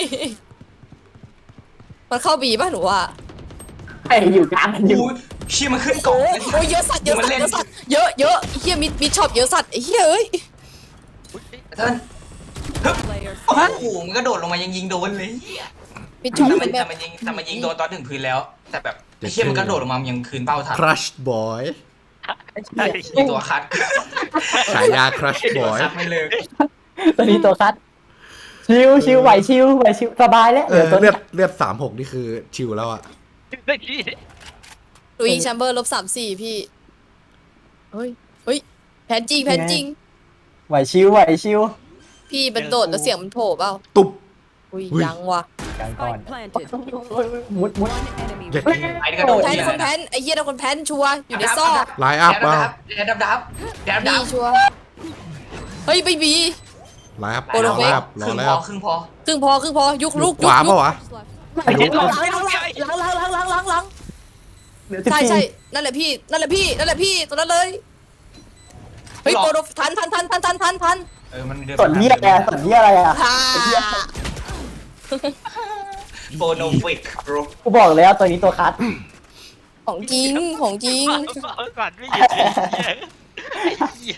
S2: มันเข้าบีป่ะหนูว่า
S3: ไอ้อยู่กลางกันอยู่
S4: อู้เชี่ยมันขึ้นกล่อง
S2: โอ้
S4: เลย
S2: โหเยอะสัตว์เยอะสัตว์เยอะสัตว์เยอะเยอะเฮียมิดมิดช็อปเยอะสัตว์ไอ้เฮียเอ้ย
S4: เติ้ล
S8: Player
S4: โอ้โหมันก็โดดลงมายังยิงโดนเลยเหี้ย
S2: มิดช็อป
S4: แต่มัน
S2: แบ
S4: แต่
S2: บ
S4: มันยิงแต่มันยิงโดนตอนถึงพื้นแล้ว แต่แบบไอ้เชี่ยมันก็โดดลงมามันยังคืนเป้าทัน
S1: ครัชบอย
S4: มีตัวคัด
S1: ฉายาครัช
S4: มี
S1: บ
S4: ตัว
S1: อย
S4: คัดไม่เลิก
S3: ตัวนี้ตัวคัดชิวชิวไหวชิวไหวชิวสบายแล้ว
S1: เอ
S3: เดี๋ย
S1: อ
S3: วตัว
S1: เลื
S3: นี้
S1: อดเลือดสามหกนี่คือชิวแล้วอะ
S2: ลุยแชมเบอร์ลบสามสี่พี่เฮ้ยเฮ้ยแผนจริงแผนจริง
S3: ไหวชิวไหวชิว
S2: พี่มันโดดแล้วเสียงมันโผล่เปล่า
S1: ตุบ
S2: อุ้ย
S1: อุ้ย
S2: ยังว่ะ
S3: กลางก่อน
S8: spike planted.
S3: มุดมุด
S8: One enemy
S1: อยาก
S8: remaining.
S4: ไอ้นี่ก็โดด
S2: แพน
S4: เหี้ย
S2: คนแพนไอ้เหี้ยนะคนแพนชัวร์อยู่ในซอก
S1: ไลน์อัพ
S4: แด
S1: เปล่า
S4: บดับแดบดับแดบดั
S2: พี่
S4: บ
S2: ชัวร์เฮ้ยไม่มี
S1: ไลน์อัพ
S2: โปรโต
S1: รอ
S2: เฟก
S1: แล้วร
S4: ค
S1: อ
S4: รึ่ง
S1: แล้
S4: พ
S1: ว
S4: อครึ่งพอ
S2: ครึ่งพอครึ่งพอยุกลุก
S1: ขวา
S2: ยุ
S1: เปล่าก วะ
S2: หลังหลังหลังหลังหลังหลังหลังใช่ใช่นั่นแหละพี่นั่นแหละพี่นั่นแหละพี่ตัวนั้นเลยเฮ้ยโปรโดทันทันทันทันทันทันทัน
S4: เออมันเดิน
S3: ส่วนเหี้ยอะไรส่วนเหี้ยอะไรอ่ะ
S2: ฮ่า
S4: โบโนฟิกโบร
S3: กูบอกแล้วตัวนี้ตัวคัด
S2: ของจริงของจริง
S5: ก่อนไม่หยุดเลยไอ้เหี้ย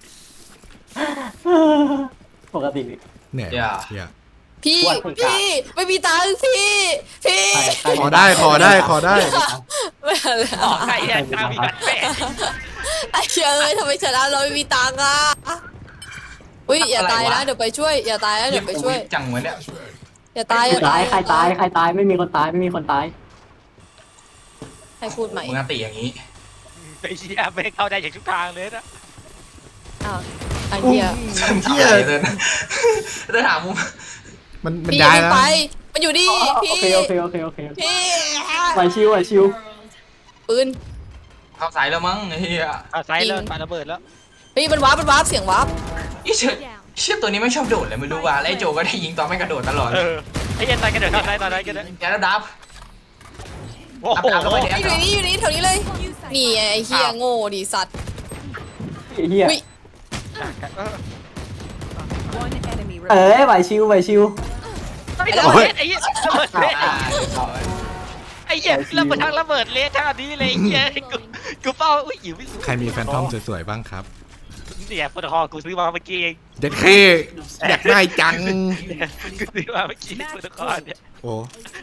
S3: ปกติ
S1: เนี่ยเนี่ย
S2: พี่
S3: อ้วนคนกลาง
S2: พี่ไม่มีตังค์พี่พี่
S3: ใครใคร
S1: ขอได้ขอได้ขอได้
S2: ไม่เอาเลย
S5: ออกใครแย่งตามอีกแม่
S2: ไอ้เชี่ยเอ้ยทำไมชนะเราไม่มีตังค์อ่ะอุ้ยอย่าตายนะเดี๋ยวไปช่วยอย่าตายนะเดี๋ยวไปช่วย
S4: จังเหมือนเนี่ย
S2: อย่าตายอย่า
S3: ตา
S2: ตาย ย
S3: ใครตายใครตายไม่มีคนตายไม่มีคนตาย
S2: ให้พูดใหม่
S4: มึงตีอย่างนี้
S5: ไอ้เหี้ยไม่เข้าได้จากทุกทางเลยนะ
S2: อ้าวไอ้เหี้ย
S1: เหี้ย
S4: เดินเดินหามุม
S1: มันมัน
S2: พี่
S1: ย้าย
S2: อย่า
S1: แล้ว
S2: ไปมันอยู่นี่
S3: โอ
S2: พี่
S3: เคโอเคโอเคโอเค
S2: พี่
S3: ไหวชิวไหวชิว
S2: ปืน
S4: เข้าสายแล้วมั้งไอ้เหี้ย
S5: เอาไซส์แล้วปาระเบิดแล้ว
S2: เฮ้ยมันวาร์ปมันวาร์ปเสียงวาร์ป
S4: อีเชี่ยเชี่ยตัวนี้ไม่ชอบโดดเลยไม่รู้ว่าแล้วไอ้โจก็ได้ยิงตอนไม่กระโดดตลอด
S5: เออไอ้เหี้ยตายกันเดี๋ยวทำไรตอนไหนกันเนี่ย
S4: แกแล้วดับ
S5: โอ้โห
S4: ดับแล้วไปแด
S2: ไอ้
S4: ก
S2: อยู่นี่อยู่นี่แถวนี้เลยนี่ไอ้เหี้ยโง่ดิสัตว์
S3: เฮีย
S2: อุ้ย
S8: One enemy
S3: เอ้
S8: remaining.
S3: ยไหวชิวไหวชิว
S5: ไอ้ระเบิดไอ้เหี้ยระเบิดเละ
S4: อ่า
S5: ไอ้เหี้ยระเบิดทางระเบิดเละทางนี้เลยไอ้เหี้ยกูกูเป้าอุ้ยอยู่ไม่สุด
S1: ใครมีแฟนทอมสวยๆบ้างครับ
S5: เนี่ยโปรโตคอลกูซื้อมาเมื่อกี้เอง
S1: เด็ดเคอยากได้จัง
S5: กูซื้อมาเมื่อกี้โปรโตคอลเนี่ย
S1: โอ้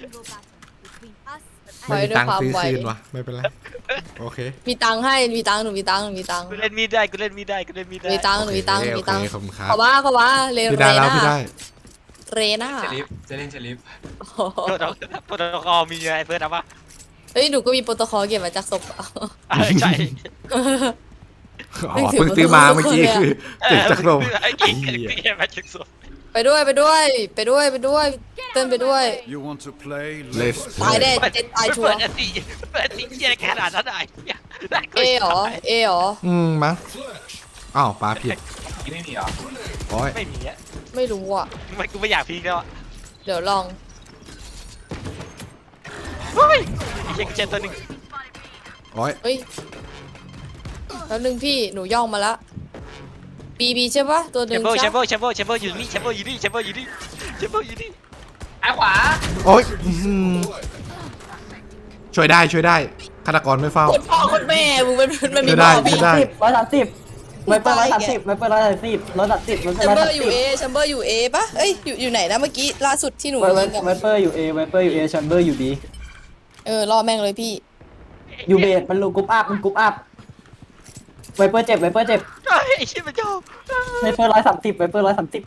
S7: A single battle between us
S1: ไม่มีตังค์ซื้อคืนวะไม่เป็นไรโอเค
S2: มีตังค์ให้มีตังค์หนูมีตังค์หนูมีตังค์
S5: กูเล่นมีดได้กูเล่นมีดได้กูเล่นมีดได้
S2: มีตังค์หนูมีตังค์หนู
S1: โอ
S2: มี
S1: เค
S2: ตังค์
S1: ขอบคุณครับ
S2: ขอว่าขอว่าเร
S1: พี่
S2: เร
S1: ได้แล้ว
S2: น่า
S1: พี่ได้
S2: เรน่า
S4: เจลิฟจะเล่นเจลิฟ
S2: โอ้โห
S5: โปรโตโปรโตคอลมีอะไรเพื่อนนะวะ
S2: เฮ้ยหนูก็มีโปรโตคอลเก็บมาจากศพ
S5: ใช่
S1: อ๋อเพิ่งซื้อมาเมื่อกี้คือเจ็บจากลม
S5: ไอ้
S1: ไอ้
S5: กิ๊ก
S1: เหี้ย
S5: พี่แค่มาจากศพ
S2: ไปด้วยไปด้วย ไปด้วยไปด้วยเต้นไปด้วย
S6: You want to play?
S1: Let's
S2: ตายแน่
S5: เปิด
S2: เจ็ดตายชัว
S5: เปิด
S2: ร์
S5: อันตีเปิดอันตีเหี้ยขนาดนั้นไอ้เหี้ยน่ากลั
S2: เอ
S5: ว
S2: เหรอเอเหรอ
S1: อืมมั้งอ้าวปลาผิด
S4: ไม่มีเหรอ
S1: โอ้ย
S5: ไม่มีอ่ะ
S2: ไม่รู้อ่ะ
S5: มันกูไม่อยากพีคแล้วอะ
S2: เดี๋ยวลอง
S5: เฮ้ยไอ้เหี้ยกูเจอตัวหนึ่ง
S1: โอ้ย
S2: เฮ้ยแล้วหนึ่งพี่หนูย่องมาละบีบีใช่ปะตัวห
S5: แช
S2: นึ่
S5: ม
S2: ง
S5: เบอร์แช
S2: ใช่
S5: มเบอร์แชมเบอร์แชมเบอร์อยู่นี่แชมเบอร์อยู่นี่แชมเบอร์อยู่นี่แชมเบอร์อยู่นี่
S4: ไอ้ขวา
S1: โอ้ยอื้อหือช่วยได้ช่วยได้ฆาตกรไม่เฝ้า
S2: คนพ่อคนแม่มึงมันมันมี
S1: ช่วยได้
S2: พ่อ
S1: ช่
S2: พี่
S1: วยได้
S3: สิบร้อยสามสิบไวเปอร์ร้อยสามสิบไวเปอร์ร้อยสามสิบร้อยสามสิบร้อย
S2: แชม
S3: สาม
S2: เบอ
S3: สิ
S2: ร์อยู่
S3: บ
S2: เอแชมเบอร์อยู่เอปะเอ้ยอยู่อยู่ไหนนะเมื่อกี้ล่าสุดที่หนู
S3: ไว
S2: ยิงอะ
S3: ไวเปอร์อยู่เอไวเปอร์อยู่เอแชมเบอร์อยู่บี
S2: เออรอแม่งเลยพี่
S3: อยู่เบสมันลูกกรุ๊ปอัพมันกรุ๊ปอัพไวเปอร์เจ็บไวเปอร์เจ็บ
S5: เฮ้ยไอ้เหี้ยมันชอบ
S3: ไวเปอร์ร้อยสามสิบไวเปอร์ร้อยสามสิบ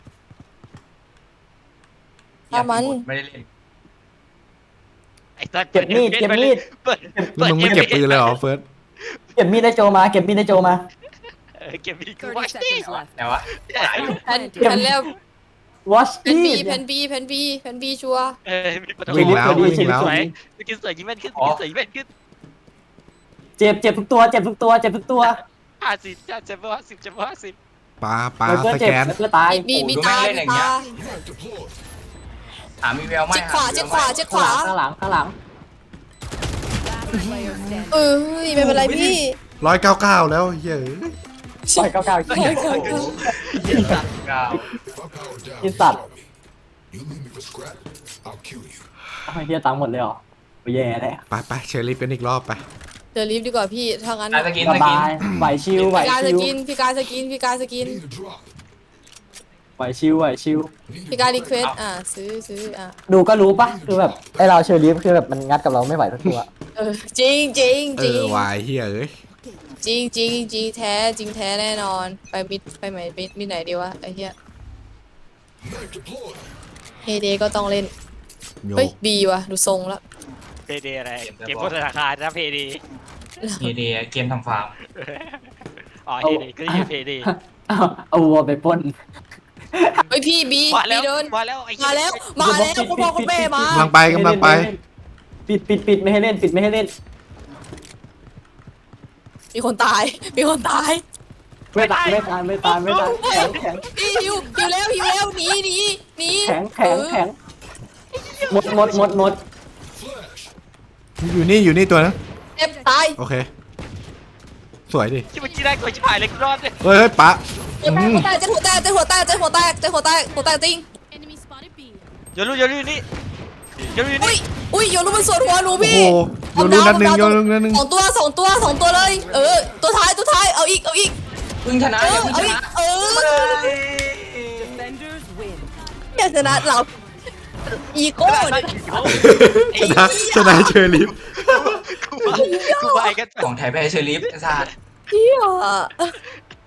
S2: ถ้ามัน
S4: ไม่ได้เล่น
S5: ไอ้สัตว์
S3: เก็บมีดเก็บมีด
S5: เปิด
S1: แล้วมึงไม่เก็บปืนเลยเหรอเฟิร์ส
S3: เก็บมีดได้โจมาเก็บมีดได้โจมา
S5: เออเก็บมีดกู
S8: thirty
S5: ไว้
S8: seconds left.
S4: แต่ว่าหลายอยู่
S2: แผ่นแผ่นแล้ว
S3: watch
S2: แผ่นบี
S3: นี่
S2: แผ่นบีแผ่นบีแผ่นบีชัวร์
S5: เออมีประตู
S1: วิ่งแล้ววิ่งแล้ว
S5: สวยสกินสวยยิงแม่นขึ้นสกินสวยยิงแม่นขึ้น
S3: เจ็บเจ็บทุกตัวเจ็บทุกตัวเจ็บทุกตัว
S5: ห้าสิบเจ็บห้าสิบเจ็บห้าสิบ
S1: ปลาปลา
S3: ไวเปอ
S1: ส
S3: ร์เจ็บ
S1: แกน
S3: ไวเปอร์ตาย
S2: มีมีตามีตา
S4: หามีแววไหม
S2: เจ็ดขวาเจ็ดขวาเจ็ดขวา
S3: ข้างหลังข้างหลัง
S8: Last player standing.
S2: เอ้ยไม่เป็นไรพี่
S1: ร้อยเก้าเก้าแล้วเฮ้ย
S3: ปล่อยเก้าเก้า
S4: เก้า
S6: If I power down,
S3: It's up.
S6: tell me. You leave me for scrap, I'll kill you.
S3: ไอ้เฮียตังค์หมดเลยเหรอโอ้ยแย่แน่
S1: ไปไปเชอรี่เป็นอีกรอบไป
S2: เจอลิฟต์ดีกว่าพี่ถ้างั้น
S4: อ่ะสกิน
S3: ส
S4: สกิน
S3: บายไหวชิวไหว
S2: พี่การส
S3: ชิว
S2: กินพี่การสกินพี่การสกิน
S6: Need a drop.
S3: ไหวชิวไหวชิว
S6: Need
S2: พี่การรีเควสอ่ะซื้อซื้ออ่ะ
S3: ดูก็รู้ปะคือแบบไอเราเชอรี่คือแบบมันงัดกับเราไม่ไหวทุกตัว
S2: เออจริงจริง
S1: เอ
S2: จริง
S1: อวายเฮียเอ้ย
S2: จริงจริงจริงแท้จริงแท้แน่นอนไปมิดไปไหนมิดมิดไหนดีวะไอ้เหี้ย
S6: knife deployed.
S2: เฮเดก็ต้องเล่น
S1: โย
S2: เฮ้ยบีว่ะดูทรงแล้ว
S5: เพเดอะไรเก็บบนธนาคารนะเพเด
S4: เฮเดเกมทำฟาร์ม
S5: อ๋อเพเดก็อยู่เพเด
S3: เอาเอาวัวไปปล้น
S2: เฮ้ยพี่บี
S5: มา
S2: บี
S5: แล้ว
S2: เดิน
S5: มาแล้วไอ้
S2: มาแล้วมาแล้วคุณพ่อคุณแม่มาก
S1: ำลังไปกำลังไป
S3: ปิดปิดปิดไม่ให้เล่นปิดไม่ให้เล่น
S2: มีคนตายมีคนตาย
S3: ไม่ตายไม่ตายไม่ตายไม่ตายแข็งแข็ง
S2: พี่หิวหิวแล้วหิวแล้วหนีหนีหนี
S3: แข็งแข็งแข็งหมดหมดหมดหมด
S6: Flash.
S1: อยู่นี่อยู่นี่ตัวนึง
S2: เจ็บตาย
S1: โอเค สวยดิ
S5: ที่เมื่อกี้ได้กดชิบหายเลยกูรอดเลย
S1: เฮ้ยเฮ้ยปะ
S2: เจ็บหัวแตกเจ็บหัวแตกเจ็บหัวแตกเจ็บหัวแตกเจ็บหัวแตกหัวแตกจริง
S7: Enemy spotted B.
S5: โยนลูกโยนลูกนี่โยนลูก
S2: อุ้
S5: นี่
S2: ยอุ้ยโยนลูกมันสวนหัวหนู
S1: โอ้
S2: พี่
S1: โหโยนลูกนัดหนึ่งโยนลูกนัดหนึ่ง
S2: สองตัวสองตัวสองตัวเลย เออ ตัวท้ายตัวท้ายเอาอีกเอาอีก
S4: เพิ่งชนะ
S2: เอ
S4: อย่า
S2: อ
S4: เพิ่งช
S2: เอาอีก
S4: นะ
S2: เออ
S8: Defenders win.
S2: อยากชนะเราอีโก้เนี่ย
S1: ชนะชนะเชอรี่
S5: กูไปกูไปกัน
S4: ของไทยแพ้เชอริฟไอ้สัตว์
S2: เหี้ย